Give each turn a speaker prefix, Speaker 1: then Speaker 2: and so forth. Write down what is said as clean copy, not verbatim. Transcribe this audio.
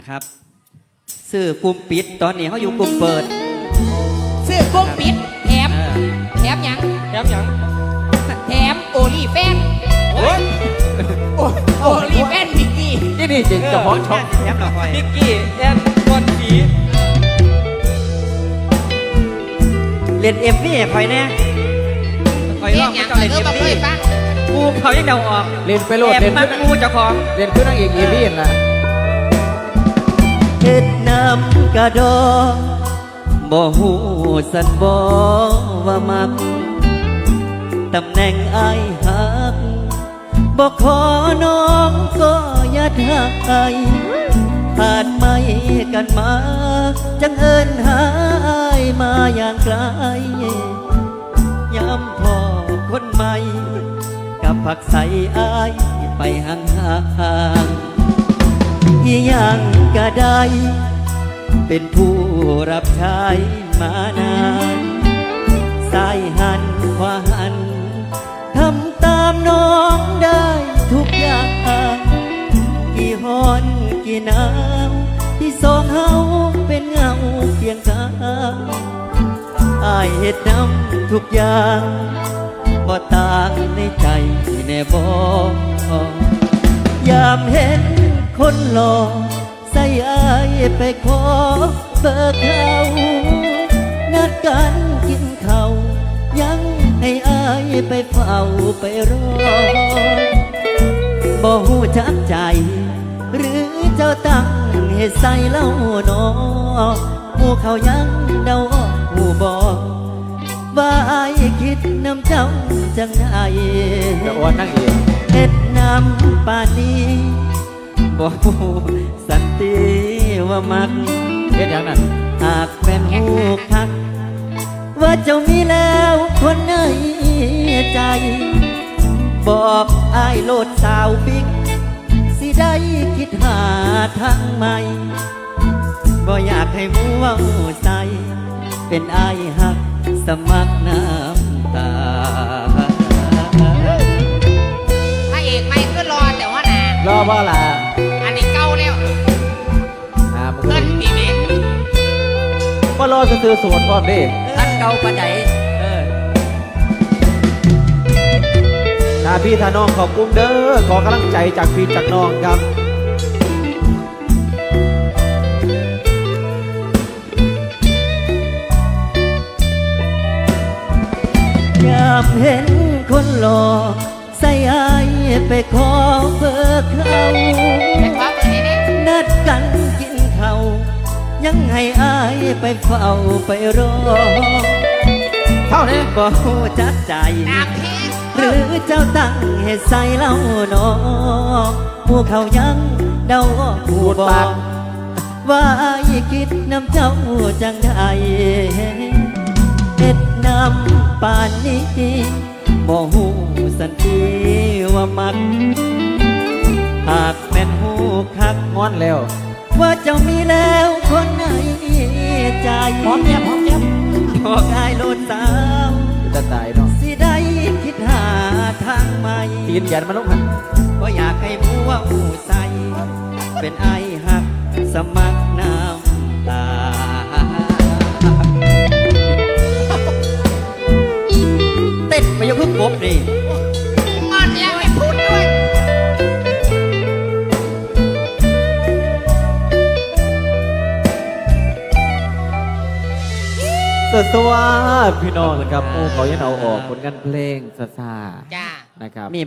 Speaker 1: ครับซื้อกลุ่มปิดตอนนี้เขาอยู่กลุ่มเปิด
Speaker 2: ซื้อกลุ่มปิดแถมหยัง
Speaker 3: แถมหยัง
Speaker 2: แถมโอลีแฟน
Speaker 3: โอ้ย
Speaker 2: โอลีแฟนมิกกี้
Speaker 3: นี่จริงเฉพาะช่อง
Speaker 1: แถมเราคอย
Speaker 3: นิกกี้แอนบอลสี
Speaker 1: เล่นเอ็มวี่คอยแน่คอย
Speaker 2: เรี
Speaker 1: ร้
Speaker 2: ย
Speaker 1: อก ง
Speaker 2: หยัง
Speaker 1: เจ้าเล่น
Speaker 2: เอ
Speaker 1: เอ็
Speaker 2: อ
Speaker 1: ม
Speaker 2: บ่เค
Speaker 1: วี่
Speaker 2: ยฟัง
Speaker 1: กูเขายังเดาออก
Speaker 3: เล่นไปโลด
Speaker 1: แอบ
Speaker 3: เล่น
Speaker 1: มั
Speaker 3: ขึ้
Speaker 1: ก
Speaker 3: น
Speaker 1: กูเจ้าของ
Speaker 3: เล่นขึ้นนางเอกอีวี่ล่ะ
Speaker 1: เฮ็ดน้ำกระดองบ่หูสันบ่ว่ามักตำแหน่งอายหักบ่ขอน้องก็อย่าทักไอผ่านไม่กันมาจังเอิญหาอายมาอย่างไกลย้ำพอคนใหม่กับผักใสอายไปห่างๆอีหยังก็ได้ เป็นผู้รับใช้มานานสายหันขวาหันทำตามน้องได้ทุกอย่างกี่ฮอนกี่หนาวที่สองเฮาเป็นเงาเพียงกายอายเฮ็ดนำทุกอย่างบ่ต่างในใจแน่บ่ยามเห็นคนหล่อใส่อายไปขอเบิกเขานัดกันกินข้าวยังให้อายไปเฝ้าไปรอบ่หูจักใจหรือเจ้าตั้งให้ใส่เล่าหนอหมู่เขายังเดาออกหูบอกว่าอายคิดน้ำเจ้าจังไง
Speaker 3: จะอ้วนนางเอก
Speaker 1: เฮ็ดน้ำป่านนี้บ่ฮู้สันติว่ามัก
Speaker 3: เฮ็ดหยังนั่น
Speaker 1: หากแม่นฮู้คักว่าเจ้ามีแล้วคนในใจ บอกอ้ายโลดสาวปิ๊กสิได้คิดหาทางใหม่บ่อยากให้มัวใส่เป็นอ้ายหักสมัครน้ำตา
Speaker 2: พระเอกไม่ก็รอแต่ว่าน่ะ
Speaker 3: รอบ่ล่ะ
Speaker 2: อันนี้เก่าแล้ว
Speaker 3: มึง
Speaker 2: เพิ่นตีเมฆ
Speaker 3: บ่รอซื้อๆสวนพร้อมเด้
Speaker 1: ท่านเก่าปานใด
Speaker 3: ถ้าพี่ถ้าน้องขอบคุณเด้อขอกำลังใจจากพี่จากน้องครับ
Speaker 1: ยามเห็นคนหล่อใส่อายไปขอเบอร์เขา
Speaker 2: แต่ขอเบอร์นี้นี่
Speaker 1: นัดกันกินข้าวยังให้อายไปเฝ้าไปรอ
Speaker 3: เท่านี้
Speaker 1: บ่ฮู้จักใจ
Speaker 2: น้ำพี
Speaker 1: หรือเจ้าตั้งให้ใส่เล่าหนอหมู่เขายังเดาออกหูบอกว่าอายคิดน้ำเจ้าจังใดเฮ็ดน้ำป่านนี้บ่ฮู้สันติว่ามักหากแม่นฮู้คัก
Speaker 3: งอนแล้ว
Speaker 1: ว่าเจ้ามีแล้วคนในใจ
Speaker 3: พร้อมแย้ม
Speaker 1: บอกอายโลดสาว
Speaker 3: จะตายเนาะ
Speaker 1: สิได้คิดหาทางใหม่
Speaker 3: ตีนแขนมาลงหัน
Speaker 1: ก็อยากให้มัวหูใสเป็นไอหักสมัครน้ำตาเต้นไปยกขึ้นกบนี่
Speaker 2: งอนแล้วไม่พูดด้วย
Speaker 3: สวัสดีพี่น้องนะครับโอ้เขายังเอาออกผลงานเพลงซาซา
Speaker 2: จ้า
Speaker 3: นะครับ